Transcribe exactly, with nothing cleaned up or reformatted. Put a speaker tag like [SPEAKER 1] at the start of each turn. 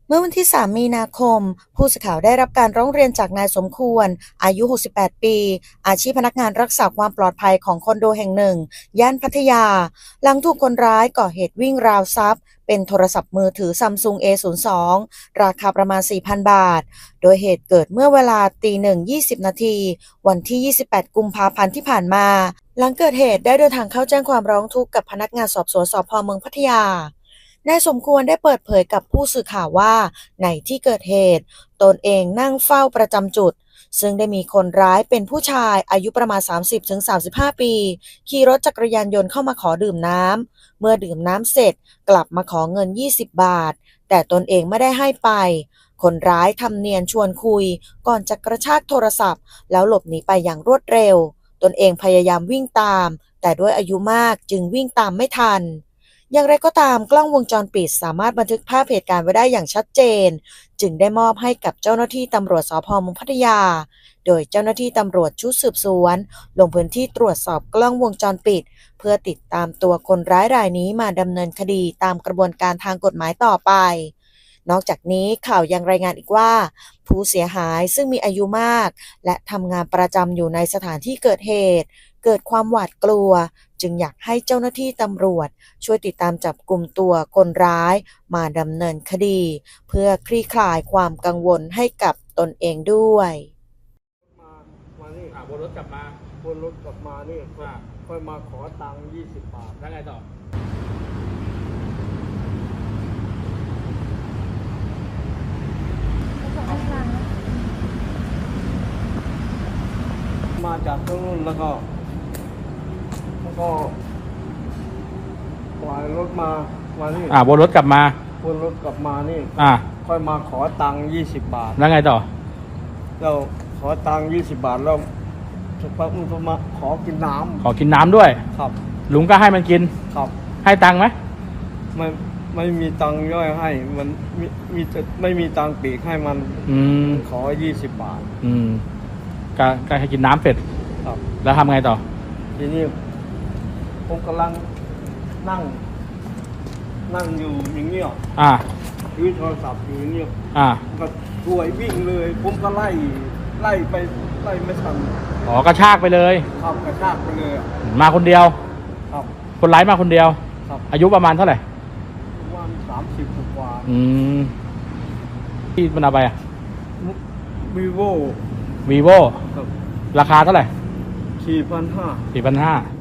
[SPEAKER 1] เมื่อวันที่ สาม มีนาคม ผู้สื่อข่าวได้รับการร้องเรียนจากนายสมควร อายุ หกสิบแปด ปี อาชีพพนักงานรักษาความปลอดภัยของคอนโดแห่งหนึ่ง ย่านพัทยา หลังถูกคนร้ายก่อเหตุวิ่งราวทรัพย์ เป็นโทรศัพท์มือถือ Samsung เอ ศูนย์ สอง ราคาประมาณ สี่พัน บาท โดยเหตุเกิดเมื่อเวลา ตีหนึ่ง ยี่สิบ นาที วันที่ ยี่สิบแปด กุมภาพันธ์ที่ผ่านมา หลังเกิดเหตุได้เดินทางเข้าแจ้งความร้องทุกข์กับพนักงานสอบสวนสภ.เมืองพัทยานายสมควรได้เปิดเผยกับผู้สื่อข่าวว่าในที่เกิดเหตุตนเองนั่งเฝ้าประจำจุดซึ่งได้มีคนร้ายเป็นผู้ชายอายุประมาณ สามสิบถึงสามสิบห้า ปีขี่รถจักรยานยนต์เข้ามาขอดื่มน้ำเมื่อดื่มน้ำเสร็จกลับมาขอเงิน ยี่สิบ บาทแต่ตนเองไม่ได้ให้ไปคนร้ายทำเนียนชวนคุยก่อนจะกระชากโทรศัพท์แล้วหลบหนีไปอย่างรวดเร็วตนเองพยายามวิ่งตามแต่ด้วยอายุมากจึงวิ่งตามไม่ทันอย่างไรก็ตามกล้องวงจรปิดสามารถบันทึกภาพเหตุการณ์ไว้ได้อย่างชัดเจนจึงได้มอบให้กับเจ้าหน้าที่ตำรวจสภ.เมืองพัทยาโดยเจ้าหน้าที่ตำรวจชุดสืบสวนลงพื้นที่ตรวจสอบกล้องวงจรปิดเพื่อติดตามตัวคนร้ายรายนี้มาดำเนินคดีตามกระบวนการทางกฎหมายต่อไปนอกจากนี้ข่าวยังรายงานอีกว่าผู้เสียหายซึ่งมีอายุมากและทำงานประจำอยู่ในสถานที่เกิดเหตุเกิดความหวาดกลัวจึงอยากให้เจ้าหน้าที่ตำรวจช่วยติดตามจับกลุ่มตัวคนร้ายมาดำเนินคดีเพื่อคลี่คลายความกังวลให้กับตนเองด้วย
[SPEAKER 2] มามานี่
[SPEAKER 3] อ่าวนรถกลับมา
[SPEAKER 2] วนรถกลับมานี่
[SPEAKER 3] อ่า
[SPEAKER 2] ค่อยมาขอตังค์ยี่สิบบาท
[SPEAKER 3] แล้วไงต่อ
[SPEAKER 2] มาจากตรงนู้นแล้วก็แล้วก็ปล่อยรถมามานี่
[SPEAKER 3] อ่าวนรถกลับมา
[SPEAKER 2] วนรถกลับมานี่
[SPEAKER 3] อ่า
[SPEAKER 2] ค่อยมาขอตังค์ยี่สิบบาท
[SPEAKER 3] แล้วไงต่อ
[SPEAKER 2] เราขอตังค์ยี่สิบบาทแล้วสักพักมึงก็มาขอกินน้ำ
[SPEAKER 3] ขอกินน้ำด้วย
[SPEAKER 2] ครับ
[SPEAKER 3] ลุงก็ให้มันกิน
[SPEAKER 2] ครับ
[SPEAKER 3] ให้ตังค์ไหม
[SPEAKER 2] ไม่ไม่มีตังค์ย่อยให้มันมีมีแต่ไม่มีตังค์ปีกให้มัน
[SPEAKER 3] อืม
[SPEAKER 2] ขอยี่สิบบาท
[SPEAKER 3] อืมก็ก็ให้กินน้ำเสร็จ
[SPEAKER 2] ครับ
[SPEAKER 3] แล้วทำไงต่อ
[SPEAKER 2] ทีนี้ผมกำลังนั่งนั่งอยู่อย่างเงี้ย
[SPEAKER 3] อ่า
[SPEAKER 2] ถือโทรศัพท์อยู่อย่างเงี้ย
[SPEAKER 3] อ่า
[SPEAKER 2] ก็ช่วยวิ่งเลยผมก็ไล่ไล่ไปไล่ไม่ทัน
[SPEAKER 3] อ๋อกระชากไปเลย
[SPEAKER 2] ครับกระชากไปเลย
[SPEAKER 3] มาคนเดียว
[SPEAKER 2] ครับ
[SPEAKER 3] คนร้ายมาคนเดียว
[SPEAKER 2] ครับ
[SPEAKER 3] อายุประมาณเท่าไหร่
[SPEAKER 2] ประมาณสามสิบกว่า
[SPEAKER 3] อืมที่มันเอาไปอ่ะ
[SPEAKER 2] วีโว
[SPEAKER 3] วีโวราคาเท่าไหร่
[SPEAKER 2] สี่พันห้า
[SPEAKER 3] สี่พันห้า